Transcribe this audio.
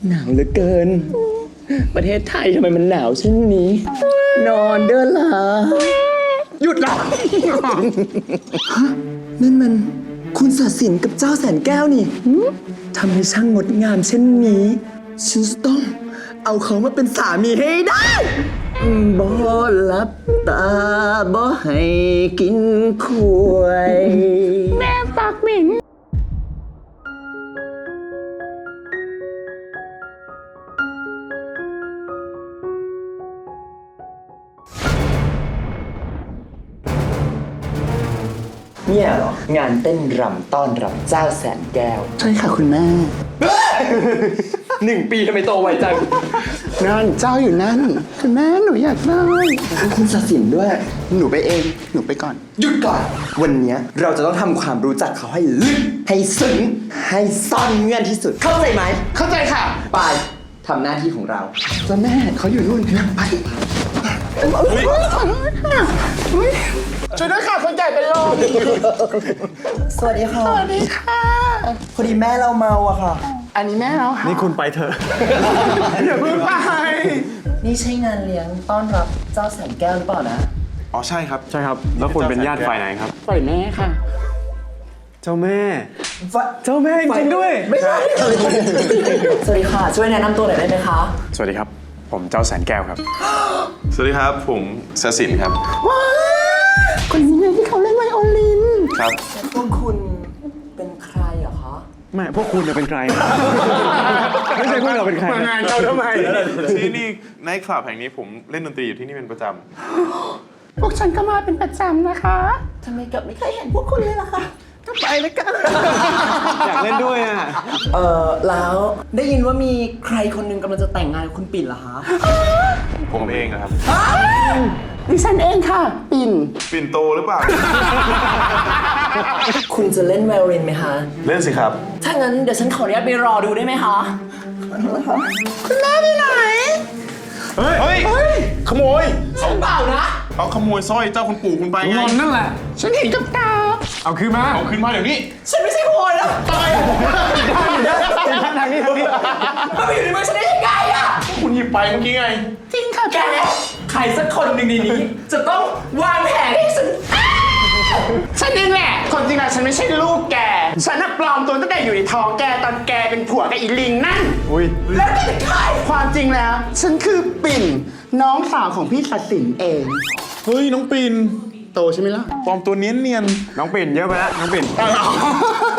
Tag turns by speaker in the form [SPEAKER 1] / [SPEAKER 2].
[SPEAKER 1] หนาวเหลือเกิน ประเทศไทยทำไมมันหนาวเช่นนี้ นอนเด้อล่ะหยุดละฮะนั่นมันคุณศศินกับเจ้าแสนแก้วนี่ทำให้ช่างงดงามเช่นนี้ ฉันจะต้องเอาเขามาเป็นสามีให้ได้บ่หลับตาบ่ให้กินขวยแม่ปากเหม็นเนี่ยเหรองานเต้นรำต้อนรับเจ้าแสนแก้วใช่ค่ะคุณแม่ 1 ปีทำไมโตไวจังนั่นเจ้าอยู่นั่นคุณแม่หนูอยากได้คุณศศินด้วยหนูไปเองหนูไปก่อนหยุดก่อนวันนี้เราจะต้องทำความรู้จักเขาให้ลึกให้ซึ้งให้ซ่อนเงื่อนที่สุดเข้าใจไหมเข้าใจค่ะไปทำหน้าที่ของเราเจ้าแม่เขาอยู่นู่นไปช่วยด้วยค่ะคนแก่เป็นลมสวัสดีค่ะสวัสดีค่ะพอดีแม่เราเมาอะค่ะอันนี้แม่เราค่ะ
[SPEAKER 2] นี่คุณไปเถอะ อย่าเพิ่งไป
[SPEAKER 1] นี่ใช่งานเลี้ยงต้อนรับเจ้าแสนแก้วหรือเปล่านะ
[SPEAKER 2] อ๋อใช่ครับใช่ครับแล้วคุณเป็นญาติฝ่ายไหนครับ
[SPEAKER 1] ฝ่ายแม่ค่ะ
[SPEAKER 2] เจ้าแม่เจ้าแม่จริงด้วย
[SPEAKER 1] ไม่ใช่สวัสดีค่ะช่วยแนะนำตัวหน่อยได้ไหมคะ
[SPEAKER 2] สวัสดีครับผมเจ้าแสนแก้วครับ
[SPEAKER 3] สวัสดีครับผมศศินครับ
[SPEAKER 1] ว้าคนนี้ไงที่เขาเล่นไวโอลิน
[SPEAKER 3] ครับ
[SPEAKER 1] พวกคุณเป็นใครเหรอคะ
[SPEAKER 2] ไม่พวกคุณจะเป็นใคร ไม่ใช่พวกเราเป็นใครมางานเราทำไม
[SPEAKER 3] ที่นี่ไนท์คลับแห่งนี้ผมเล่นดนตรีอยู่ที่นี่เป็นประจ
[SPEAKER 1] พวกฉันก็มาเป็นประจำนะคะทำไมกับไม่เคยเห็นพวกคุณเลยล่ะคะก็ไปแล้วกัน
[SPEAKER 2] อยากเล่นด้วยอ่ะ
[SPEAKER 1] แล้วได้ยินว่ามีใครคนหนึงกำลังจะแต่งงานกับคุณปิ่นเหรอคะ
[SPEAKER 3] ำผมเองนะครับ
[SPEAKER 1] ดิฉันเองค่ะปิ่น
[SPEAKER 3] ปิ่นโตหรือเปล่า
[SPEAKER 1] คุณจะเล่นไวโอลินไหมคะ
[SPEAKER 3] เล่นสิครับ
[SPEAKER 1] ถ้างั้นเดี๋ยวฉันขออนุญาตไปรอดูได้ไหมคะคุณแม่ไปไหน
[SPEAKER 3] เฮ้ยขโมย
[SPEAKER 1] ฉันเปล่านะ
[SPEAKER 3] เขาขโมยสร้อยเจ้าคุณปู่คุณไปไง
[SPEAKER 2] นั่นแหละ
[SPEAKER 1] ฉันเห็นกับตา
[SPEAKER 2] เอาคืนมา
[SPEAKER 3] เดี๋ยวนี้
[SPEAKER 1] ฉันไม่ใช่ขโมยแล้วตาย
[SPEAKER 2] ทางนี้
[SPEAKER 1] มันไปอยู่ในมือฉันได้ยังไงอะ
[SPEAKER 3] คุณหยิบไปเมื่อกี้ไง
[SPEAKER 1] จริงค่ะแกใครสักคนหนึ่งในนี้จะต้องวางแผนให้ฉันเองแหละคนจริงอะฉันไม่ใช่ลูกแกฉันน่ะปลอมตัวตั้งแต่อยู่ในท้องแกตอนแกเป็นผัวกับอีลิงนั่นแล้วแกเป็นใครความจริงแล้วฉันคือปิ่นน้องสาวของพี่ศศินเอง
[SPEAKER 3] เฮ้ยน้องปิ่น
[SPEAKER 1] โตใช่ไหมล่ะ
[SPEAKER 3] ปลอมตัวเนียน
[SPEAKER 2] น้องปิ่นเยอะไปแล้วน้องปิ่น